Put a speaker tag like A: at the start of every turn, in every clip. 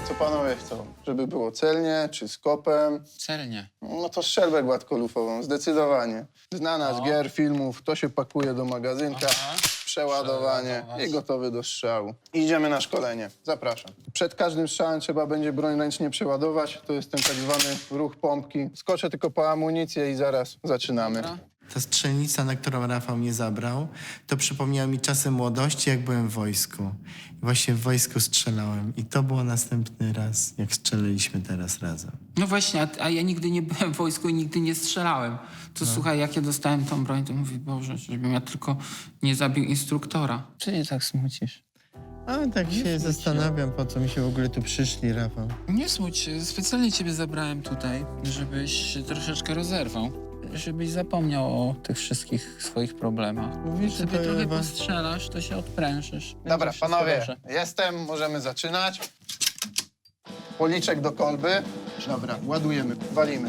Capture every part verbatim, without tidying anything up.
A: Co panowie chcą? Żeby było celnie czy z kopem?
B: Celnie.
A: No to strzelbę gładkolufową, zdecydowanie. Znana z
B: No.
A: gier, filmów, to się pakuje do magazynka,
B: Aha.
A: przeładowanie
B: Przeładować.
A: i gotowy do strzału. Idziemy na szkolenie. Zapraszam. Przed każdym strzałem trzeba będzie broń ręcznie przeładować. To jest ten tak zwany ruch pompki. Skoczę tylko po amunicję i zaraz zaczynamy.
B: Dobra.
C: Ta strzelnica, na którą Rafał mnie zabrał, to przypomniała mi czasy młodości, jak byłem w wojsku. I właśnie w wojsku strzelałem. I to było następny raz, jak strzeliliśmy teraz razem.
B: No właśnie, a, a ja nigdy nie byłem w wojsku i nigdy nie strzelałem. To słuchaj, jak ja dostałem tą broń, to mówię, Boże, żebym ja tylko nie zabił instruktora. Czy nie tak smucisz?
C: Ale tak się zastanawiam, po co mi się w ogóle tu przyszli, Rafał.
B: Nie smuć się. Specjalnie ciebie zabrałem tutaj, żebyś się troszeczkę rozerwał. Żebyś zapomniał o tych wszystkich swoich problemach.
C: Mówisz, że
B: Sobie
C: to
B: trochę
C: Ewa...
B: postrzelasz, to się odprężysz. Będzie
A: Dobra,
B: wszystko
A: panowie,
B: dobrze.
A: jestem, możemy zaczynać. Policzek do kolby. Dobra, ładujemy, walimy.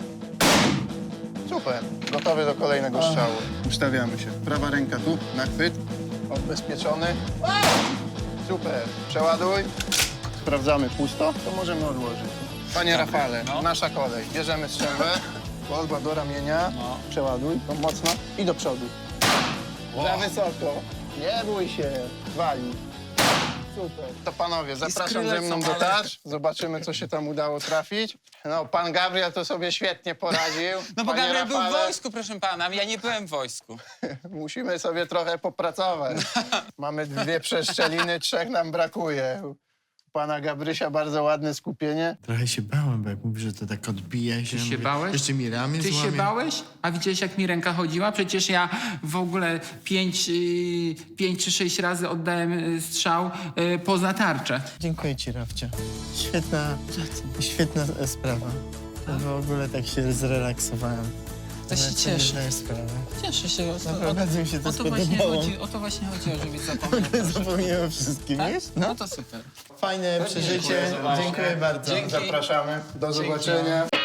A: Super, gotowy do kolejnego strzału. Ustawiamy się. Prawa ręka tu, na chwyt. Odbezpieczony. Super, przeładuj. Sprawdzamy pusto, to możemy odłożyć. Panie Rafale,
B: no.
A: nasza kolej. Bierzemy strzelbę, kolba do ramienia,
B: No.
A: przeładuj, to mocno i do przodu. Za wysoko. Nie bój się, wali. Super. To panowie, zapraszam ze mną do tarcz. Zobaczymy, co się tam udało trafić. No, pan Gabriel to sobie świetnie poradził.
B: No bo
A: Panie
B: Gabriel był w
A: Rafale,
B: wojsku, proszę pana, ja nie byłem w wojsku.
A: musimy sobie trochę popracować. Mamy dwie przeszczeliny, trzech nam brakuje. U pana Gabrysia bardzo ładne skupienie.
C: Trochę się bałem, bo jak mówisz, że to tak odbija się.
B: Ty się
C: mówię,
B: bałeś?
C: Jeszcze mi ramię
B: Ty
C: złamie.
B: się bałeś? A widziałeś, jak mi ręka chodziła? Przecież ja w ogóle pięć, yy, pięć czy sześć razy oddałem yy, strzał yy, poza tarczę.
C: Dziękuję ci, Rafcia. Świetna, świetna e, sprawa. W ogóle tak się zrelaksowałem.
B: To się
C: Nawet sobie
B: cieszę.
C: nie zdaję sprawy.
B: Cieszę się. O, o,
C: Naprawdę bardzo mi się to
B: o, to właśnie
C: spodobało.
B: chodzi, o to właśnie chodziło, żebyś zapomniał.
C: Zapomniałem o wszystkim,
B: Tak?
C: wiesz?
B: No to super.
C: Fajne przeżycie.
A: Dziękuję
C: Dziękuję bardzo.
B: Dzięki.
A: Zapraszamy. Do zobaczenia.